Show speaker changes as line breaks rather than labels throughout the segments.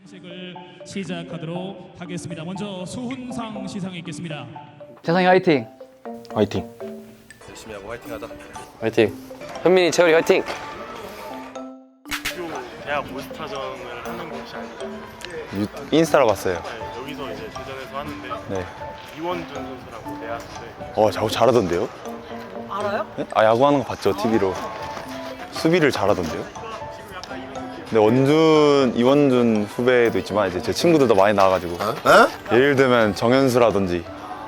시식을 시작하도록 하겠습니다. 먼저 수훈상 시상이 있겠습니다.
재상이 화이팅!
화이팅.
열심히 하고 화이팅하자.
화이팅. 현민이, 채울이 화이팅.
학교 대학 모스타전을 하는 곳이 아니라
인스타로 봤어요.
네, 여기서 이제 대전에서 하는데
네.
이원준 선수라고 대학생.
자꾸 잘하던데요?
알아요?
네? 야구하는 거 봤죠, TV로. 수비를 잘하던데요? 근데 이원준 후배도 있지만 이제 제 친구들도 많이 나와가지고 예를 들면 정현수라든지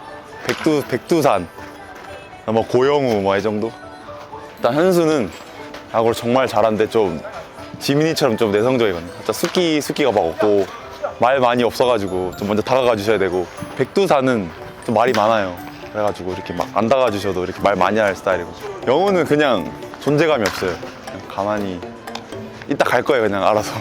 백두산, 뭐 고영우 뭐 이 정도. 일단 현수는 야구를 정말 잘하는데 좀 지민이처럼 좀 내성적이거든요. 진짜 숙기가 막 없고 말 많이 없어가지고 좀 먼저 다가가 주셔야 되고, 백두산은 좀 말이 많아요. 그래가지고 이렇게 막 안 다가가 주셔도 이렇게 말 많이 할 스타일이고, 영우는 그냥 존재감이 없어요. 그냥 가만히 이따 갈 거예요, 그냥 알아서.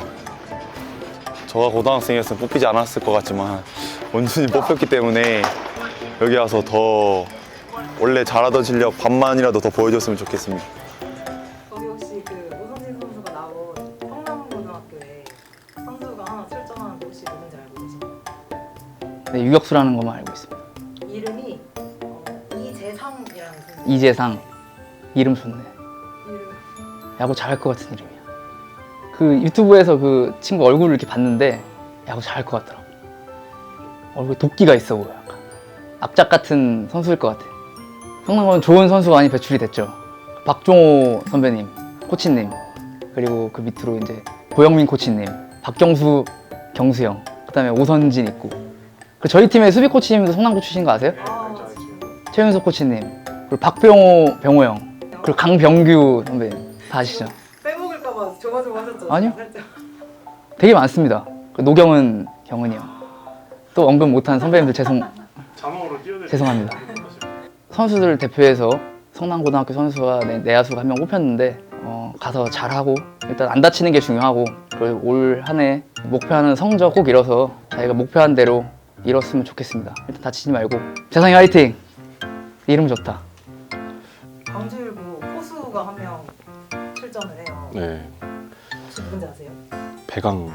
저가 고등학생이었으면 뽑히지 않았을 것 같지만 원준이 뽑혔기 때문에 여기 와서 더 원래 잘하던 실력 반만이라도 더 보여줬으면 좋겠습니다.
거기 혹시 그 오선진 선수가 나온 성남고등학교에 선수가 하나 출전하는 곳이 누군지 알고 계신가요?
네, 유격수라는 것만 알고 있습니다.
이름이 이재상이라는 선수.
이재상. 이름 좋네.
이름.
야구 잘할 것 같은 이름이야. 그 유튜브에서 그 친구 얼굴을 이렇게 봤는데 야구 잘할 것 같더라고. 얼굴에 도끼가 있어 보여. 약간 악작 같은 선수일 것 같아. 성남고는 좋은 선수가 많이 배출이 됐죠. 박종호 선배님, 코치님, 그리고 그 밑으로 이제 고영민 코치님, 박경수, 경수형, 그다음에 오선진 있고. 그 저희 팀의 수비 코치님도 성남고 출신 거 아세요? 최윤석 코치님, 그리고 박병호 형, 그리고 강병규 선배님 다 아시죠?
빼먹을까봐 조마조마하셨죠?
아니요.
살짝.
되게 많습니다. 그 노경은 경은이 형. 또 언급 못한 선배님들
자막으로 띄워드릴게요.
죄송합니다. 선수들 대표해서 성남고등학교 선수와 내야수가 한 명 뽑혔는데 가서 잘하고 일단 안 다치는 게 중요하고, 그리고 올 한 해 목표하는 성적 꼭 이뤄서 자기가 목표한 대로 이뤘으면 좋겠습니다. 일단 다치지 말고. 재상이 화이팅! 이름 좋다.
광주일보 포수가 한 명 출전을 해요.
네.
혹시 누군지 아세요?
배강.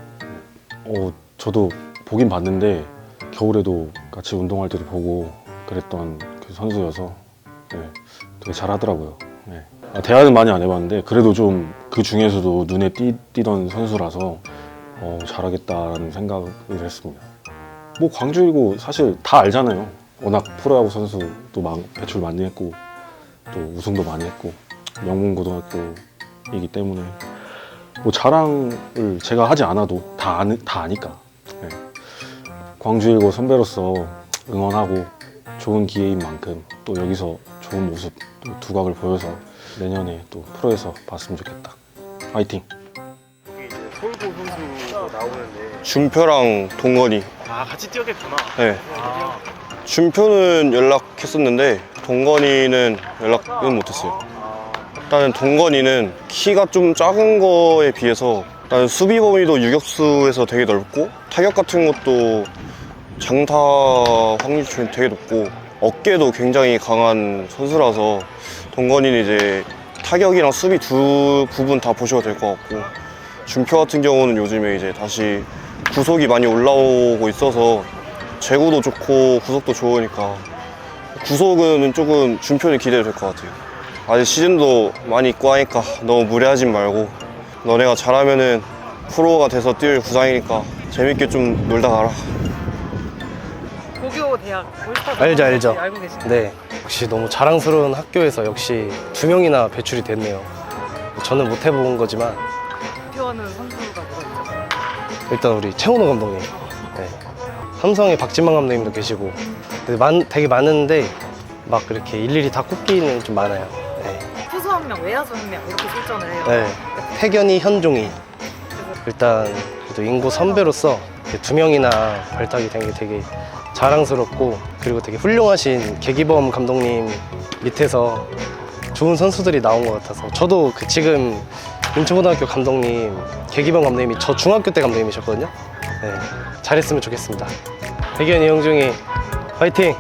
저도 보긴 봤는데 겨울에도 같이 운동할 때도 보고 그랬던 그 선수여서 네, 되게 잘하더라고요. 네. 대화는 많이 안 해봤는데 그래도 좀 그 중에서도 눈에 띄던 선수라서 잘하겠다라는 생각을 했습니다. 뭐 광주이고 사실 다 알잖아요. 워낙 프로야구 선수도 배출 많이 했고 또 우승도 많이 했고 명문고등학교이기 때문에 뭐 자랑을 제가 하지 않아도 다 아니까. 네. 광주일고 선배로서 응원하고 좋은 기회인 만큼 또 여기서 좋은 모습, 또 두각을 보여서 내년에 또 프로에서 봤으면 좋겠다. 화이팅!
여기 이제 서울고 선수가 나오는데
준표랑 동건이.
같이 뛰었겠구나.
네.
아,
준표는 연락했었는데 동건이는 연락은 못했어요. 일단은 동건이는 키가 좀 작은 거에 비해서 일단 수비 범위도 유격수에서 되게 넓고 타격 같은 것도 장타 확률이 되게 높고 어깨도 굉장히 강한 선수라서 동건이는 이제 타격이랑 수비 두 부분 다 보셔도 될 것 같고, 준표 같은 경우는 요즘에 이제 다시 구속이 많이 올라오고 있어서 제구도 좋고 구속도 좋으니까 구속은 조금 준표는 기대도 될 것 같아요. 아직 시즌도 많이 있고 하니까 너무 무리하진 말고 너네가 잘하면은 프로가 돼서 뛸 구상이니까 재밌게 좀 놀다 가라.
고교 대학 올스타
알죠, 알죠.
알고 계신가요?
네, 역시 너무 자랑스러운 학교에서 역시 2명이나 배출이 됐네요. 저는 못 해본 거지만
대표하는 선수가 누가 있죠?
일단 우리 최원호 감독님, 네. 삼성의 박진만 감독님도 계시고 되게 많은데 막 그렇게 일일이 다 꼽기는 좀 많아요. 네.
투수 한 명, 외야수 한 명 이렇게 출전을 해요.
네. 태견이, 현종이. 일단 그래도 인구 선배로서 2명이나 발탁이 된 게 되게 자랑스럽고, 그리고 되게 훌륭하신 계기범 감독님 밑에서 좋은 선수들이 나온 것 같아서, 저도 그 지금 인천고등학교 감독님 계기범 감독님이 저 중학교 때 감독님이셨거든요. 네, 잘했으면 좋겠습니다. 태견이, 형중이 화이팅!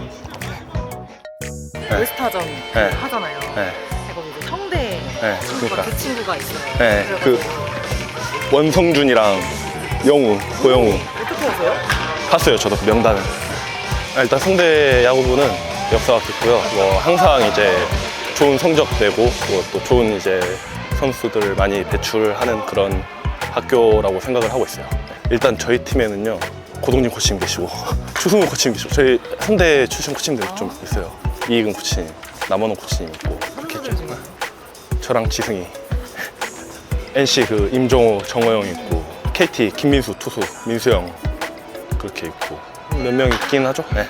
올스타전
네.
하잖아요.
네.
거기 이제 성대
네,
친구가
그러니까.
그 친구가 있어요.
네,
그래가지고
원성준이랑 영우, 고영우.
어떻게 하세요?
봤어요, 저도 그 명단을. 일단 상대 야구부는 역사가 깊고요. 뭐 항상 이제 좋은 성적 내고 그리고 또 좋은 이제 선수들을 많이 배출하는 그런 학교라고 생각을 하고 있어요. 일단 저희 팀에는요, 고동진 코치님 계시고 추승우 코치님 계시고 저희 상대 출신 코치님들 좀 있어요. 이익은 코치님, 남원호 코치님 있고 그렇게 좀. 저랑 지승이, NC 그 임종호, 정호영 있고 KT 김민수 투수, 민수형 그렇게 있고 몇 명 있긴 하죠. 네.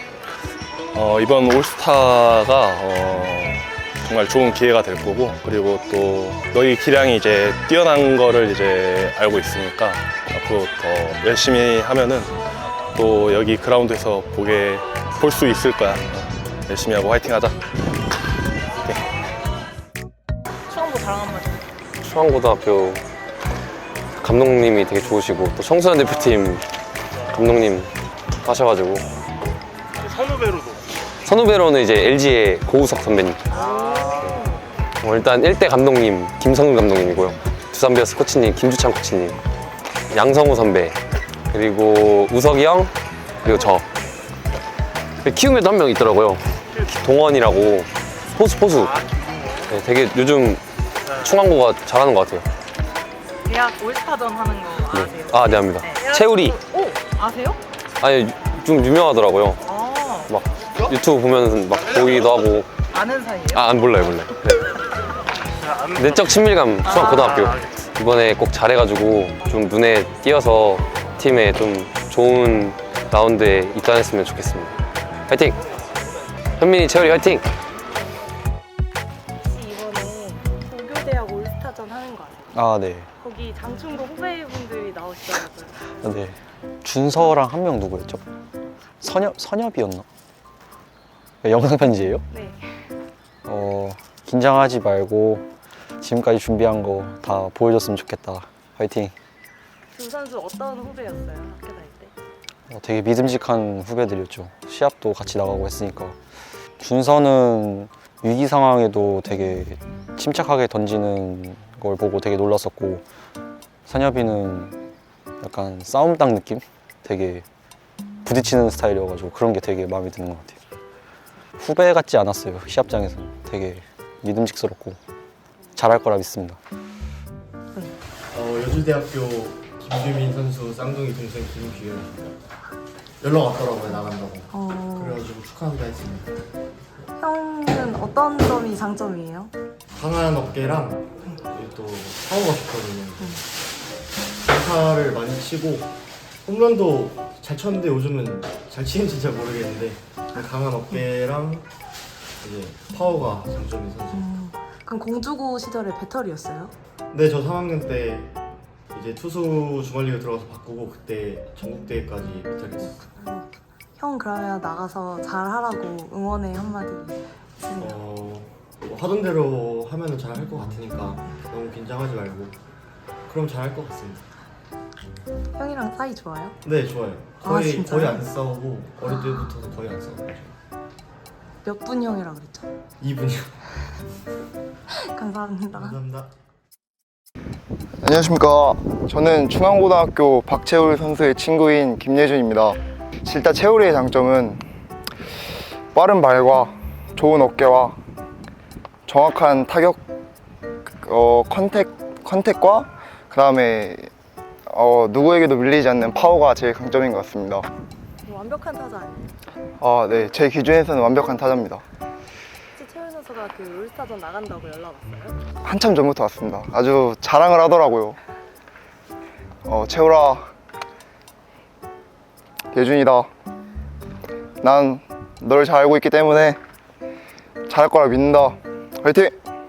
이번 올스타가 정말 좋은 기회가 될 거고 그리고 또 너희 기량이 이제 뛰어난 거를 이제 알고 있으니까 앞으로 더 열심히 하면은 또 여기 그라운드에서 볼 수 있을 거야. 열심히 하고 화이팅하자.
수강부 자랑 한번 해주세요.
수원고등학교 감독님이 되게 좋으시고 또 청소년 대표팀 감독님 하셔가지고 선후배로는 이제 LG의 고우석 선배님. 일단 1대 감독님 김성근 감독님이고요. 두산 베어스 코치님 김주찬 코치님, 양성우 선배, 그리고 우석이 형, 그리고 저. 키움에도 한 명 있더라고요. 동원이라고 포수. 네, 되게 요즘 충안고가 잘하는 것 같아요.
대학 올스타전 하는 거 아세요?
아, 네, 압니다. 채우리.
오, 아세요?
아니, 좀 유명하더라고요.
아,
막 유튜브 보면 막 보기도 하고.
아는 사이예요?
아, 안 몰라요. 네. 내적 친밀감 수원고등학교. 이번에 꼭 잘해가지고 좀 눈에 띄어서 팀에 좀 좋은 라운드에 입단했으면 좋겠습니다. 화이팅! 현민이, 채우리 화이팅!
혹시 이번에 고교대학 올스타전 하는 거 아세요?
아, 네.
거기 장충고 후배분들이 나오시더라고요.
네. 준서랑 한 명 누구였죠? 선엽이었나? 영상 편지예요?
네.
긴장하지 말고 지금까지 준비한 거 다 보여줬으면 좋겠다. 화이팅.
두 선수 어떤 후배였어요? 학교 다닐 때?
되게 믿음직한 후배들이었죠. 시합도 같이 나가고 했으니까. 준서는 위기 상황에도 되게 침착하게 던지는 걸 보고 되게 놀랐었고, 선엽이는 약간 싸움당 느낌? 되게 부딪히는 스타일이어가지고 그런 게 되게 마음에 드는 것 같아요. 후배 같지 않았어요. 시합장에서는 되게 믿음직스럽고 잘할 거라 믿습니다.
여주대학교 김규민 선수 쌍둥이 동생 김규현입니다. 연락 왔더라고요, 나간다고. 그래가지고 축하한다 했습니다.
형은 어떤 점이 장점이에요?
강한 어깨랑 또 파워가 좋거든요. 안타를 많이 치고 홈런도 잘 쳤는데 요즘은 잘 치는지 잘 모르겠는데 강한 어깨랑 이제 파워가 장점인 선수입니다.
그럼 공주고 시절에 배터리였어요?
네, 저 3학년 때 이제 투수 주말리그 들어가서 바꾸고 그때 전국대회까지 못하겠어요.
형 그러면 나가서 잘하라고 응원의 한마디 있으세요?
뭐 하던 대로 하면은 잘 할 것 같으니까 너무 긴장하지 말고 그럼 잘 할 것 같습니다.
형이랑 사이 좋아요?
네, 좋아요.
아, 진짜요?
거의 안 싸우고 어릴 때부터도 거의 안 싸우고
몇 분 형이라 그랬죠?
2분이요.
감사합니다.
감사합니다.
안녕하십니까. 저는 충안고등학교 박채울 선수의 친구인 김예준입니다. 일단 채울이의 장점은 빠른 발과 좋은 어깨와 정확한 타격 컨택과 그 다음에 누구에게도 밀리지 않는 파워가 제일 강점인 것 같습니다.
완벽한 타자 아니에요?
아, 네. 제 기준에서는 완벽한 타자입니다.
혹시 채훈 선수가 그 올스타전 나간다고 연락 왔어요?
한참 전부터 왔습니다. 아주 자랑을 하더라고요. 채울아, 예준이다. 난 너를 잘 알고 있기 때문에 잘할 거라 믿는다. 화이팅!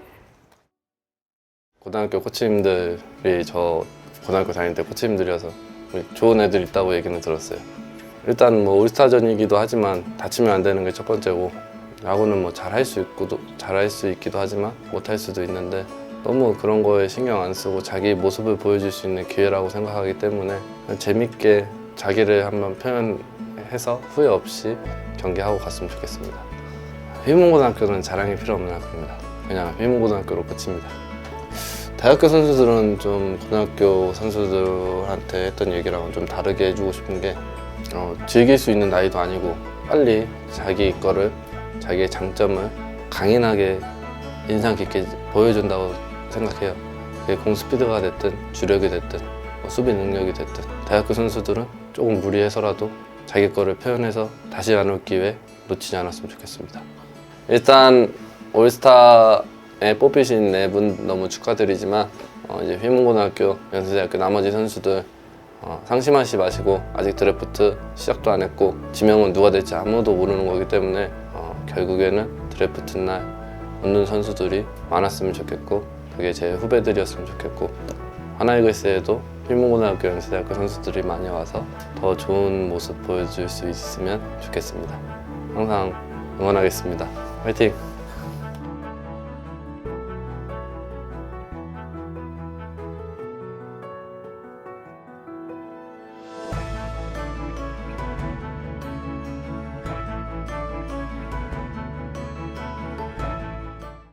고등학교 코치님들이 저 고등학교 다닐 때 코치님들이어서 좋은 애들 있다고 얘기는 들었어요. 일단 뭐 올스타전이기도 하지만 다치면 안 되는 게 첫 번째고, 야구는 뭐 잘할 수 있기도 하지만 못할 수도 있는데 너무 그런 거에 신경 안 쓰고 자기 모습을 보여줄 수 있는 기회라고 생각하기 때문에 재밌게 자기를 한번 표현해서 후회 없이 경기하고 갔으면 좋겠습니다. 휘문고등학교는 자랑이 필요 없는 학교입니다. 그냥 휘문고등학교로 끝입니다. 대학교 선수들은 좀 고등학교 선수들한테 했던 얘기랑은 좀 다르게 해주고 싶은 게 즐길 수 있는 나이도 아니고 빨리 자기 거를, 자기의 장점을 강인하게 인상 깊게 보여준다고 생각해요. 그게 공스피드가 됐든 주력이 됐든 수비 능력이 됐든 대학교 선수들은 조금 무리해서라도 자기 거를 표현해서 다시 안 올 기회 놓치지 않았으면 좋겠습니다. 일단 올스타에 뽑히신 4분 너무 축하드리지만 이제 휘문고등학교, 연세대학교 나머지 선수들 상심하지 마시고 아직 드래프트 시작도 안 했고 지명은 누가 될지 아무도 모르는 거기 때문에 결국에는 드래프트 날 얻는 선수들이 많았으면 좋겠고 그게 제 후배들이었으면 좋겠고 하나이글스에도 휘문고등학교, 연세대학교 선수들이 많이 와서 더 좋은 모습 보여줄 수 있으면 좋겠습니다. 항상 응원하겠습니다. 화이팅!